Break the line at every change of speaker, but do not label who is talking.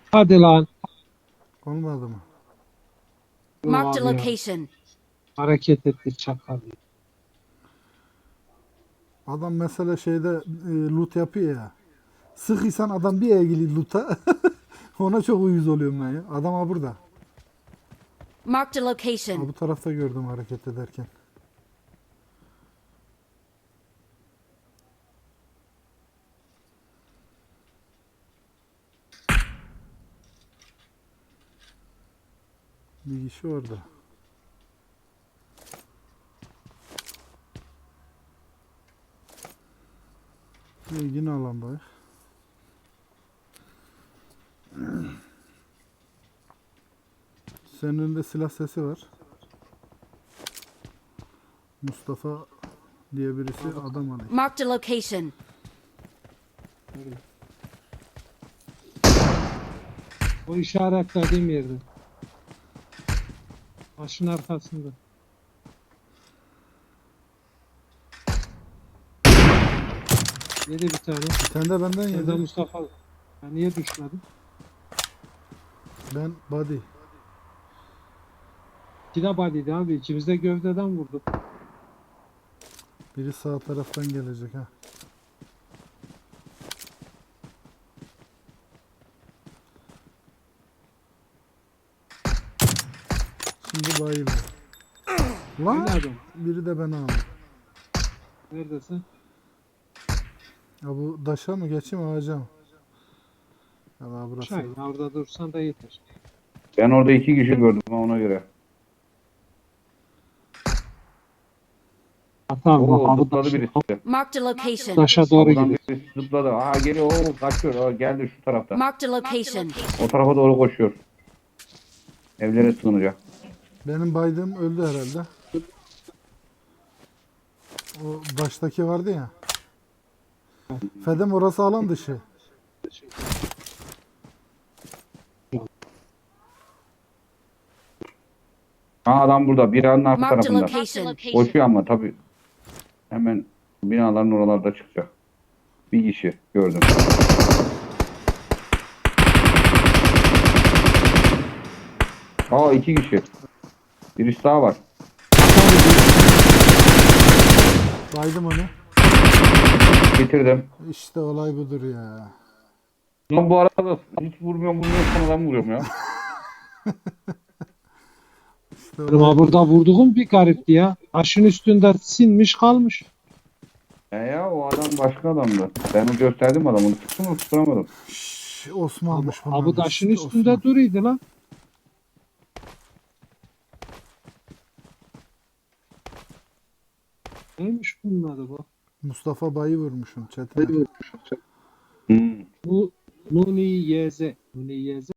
Hadi lan.
Olmadı mı?
Dur
Marked a
abi ya.
location.
Hareket etti çakal.
Adam mesela şeyde loot yapıyor ya. Sıkıysan adam bir ilgili loot'a ona çok uyuz oluyorum ben ya. Adam ha burada.
Marked a
Ha
location.
bu tarafta gördüm hareket ederken. Bir kişi orada. Yine alandayız. Senin önünde silah sesi var. Mustafa diye birisi adam arıyor.
Marked a location.
O işaretlediğim yerde. Başın arkasında. Yedi bir tane.
Bir tane de benden
Sen de
yedi.
Mustafa. Ya niye düşmedin?
Ben body.
İki de body'di abi. İkimiz de gövdeden vurduk.
Biri sağ taraftan gelecek ha. Şimdi bayıldı. Lan
Öyle adam.
biri de ben aldım.
Neredesin?
Ya bu daşa mı geçeyim ağaca mı? Ya daha burası.
Şahin orada dursan da yeter.
Ben orada 2 kişi gördüm ona göre.
Hatta bak
Oo
abi
zıpladı birisi.
Marked a location.
taşa doğru
Buradan
gidiyor.
birisi zıpladı. Aa geliyor. Oo kaçıyor. Aa, geldi şu tarafta.
Marked a location.
O tarafa doğru koşuyor. Evlere sığınacak.
Benim baydığım öldü herhalde. O baştaki vardı ya. Fedem orası alan dışı.
Ha adam burada. Binanın arka
Marked a
tarafında.
location.
Koşuyor ama tabii. Hemen binaların oralarda çıkacak. Bir kişi gördüm. Aa 2 kişi. Birisi daha var.
Baydım onu.
Bitirdim.
İşte olay budur ya.
Lan bu arada hiç vurmuyorum sonradan vuruyorum ya.
İşte
Ama burada vurduğum bir garipti ya. Taşın üstünde sinmiş kalmış.
Ya o adam başka adamdı. Ben o gösterdim adamı. Tuttum mu tutturamadım.
Osman'mış bunlar.
Abi taşın
İşte
üstünde
Osman.
duruydu lan. Neymiş bunun adı bu?
Mustafa Bay'ı vurmuşum Çetin.
Hmm.
Bu Nuni YZ. Nuni YZ.